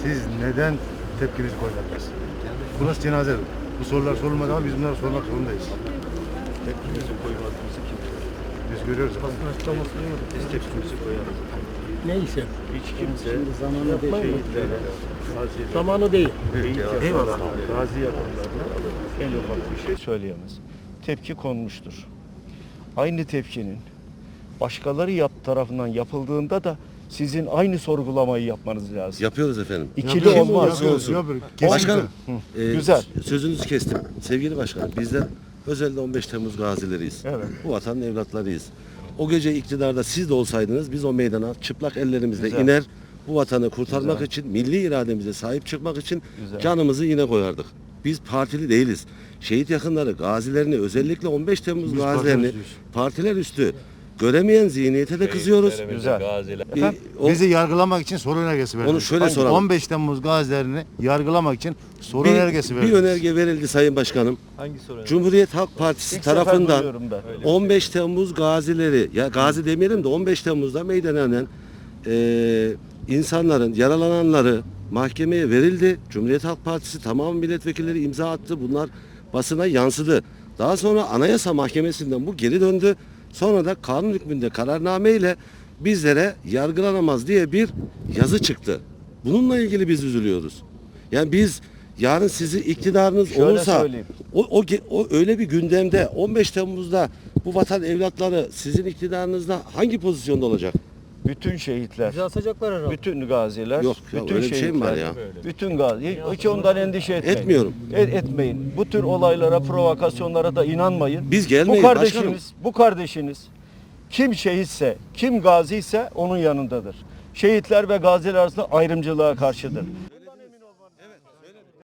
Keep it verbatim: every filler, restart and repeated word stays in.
Siz neden tepkinizi koymadınız? Bu nasıl cenaze? Bu sorular sorulmadı ama biz bunları sormak zorundayız. Tepkimizi koymadığımızı kim söyledi? Biz görüyoruz. Basın açıklaması duymadık. Biz tepkimizi koyarız. Neyse. Hiç kimse zamanı yapmayın. Şehitlere, gazilere, Zamanı değil. eyvallah. Gazi yakınlarına en ufak bir şey söyleyemez. Tepki konmuştur. Aynı tepkinin başkaları yap tarafından yapıldığında da sizin aynı sorgulamayı yapmanız lazım. Yapıyoruz efendim. İkili olmaz. Yapıyoruz. Yapıyoruz. Başkanım, e, Güzel. sözünüzü kestim. Sevgili başkanım, bizler özellikle on beş Temmuz gazileriyiz. Evet. Bu vatanın evlatlarıyız. O gece iktidarda siz de olsaydınız biz o meydana çıplak ellerimizle Güzel. iner, bu vatanı kurtarmak Güzel. için, milli irademize sahip çıkmak için Güzel. canımızı yine koyardık. Biz partili değiliz. Şehit yakınları, gazilerini, özellikle on beş Temmuz Biz gazilerini partiler üstüyüz. partiler üstü göremeyen zihniyete de kızıyoruz. Güzel. Bir- Efendim? o- Bizi yargılamak için soru önergesi verdi. Onu şöyle soralım. on beş Temmuz gazilerini yargılamak için soru bir, önergesi verdi. bir önerge verildi Sayın Başkanım. Hangi soru? Cumhuriyet Halk Partisi İlk sefer tarafından duyuyorum ben. on beş Temmuz gazileri, ya gazi demeyelim de on beş Temmuz'da meydana inen e, insanların, yaralananları mahkemeye verildi. Cumhuriyet Halk Partisi tamam milletvekilleri imza attı. Bunlar basına yansıdı. Daha sonra Anayasa Mahkemesi'nden bu geri döndü. Sonra da kanun hükmünde kararname ile bizlere yargılanamaz diye bir yazı çıktı. Bununla ilgili biz üzülüyoruz. Yani biz yarın sizi iktidarınız Şöyle olursa söyleyeyim. o, o, ge- o öyle bir gündemde on beş Temmuz'da bu vatan evlatları sizin iktidarınızda hangi pozisyonda olacak? Bütün şehitler, Bizi asacaklar herhalde. bütün gaziler, Yok ya, bütün öyle bir şey mi var ya? Bütün gazi, hiç ondan endişe etmeyin. Etmiyorum. Et, etmeyin. Bu tür olaylara, provokasyonlara da inanmayın. Biz Bu gelmeyiz kardeşiniz, başkanım. bu kardeşiniz kim şehitse, kim gaziyse onun yanındadır. Şehitler ve gaziler arasında ayrımcılığa karşıdır.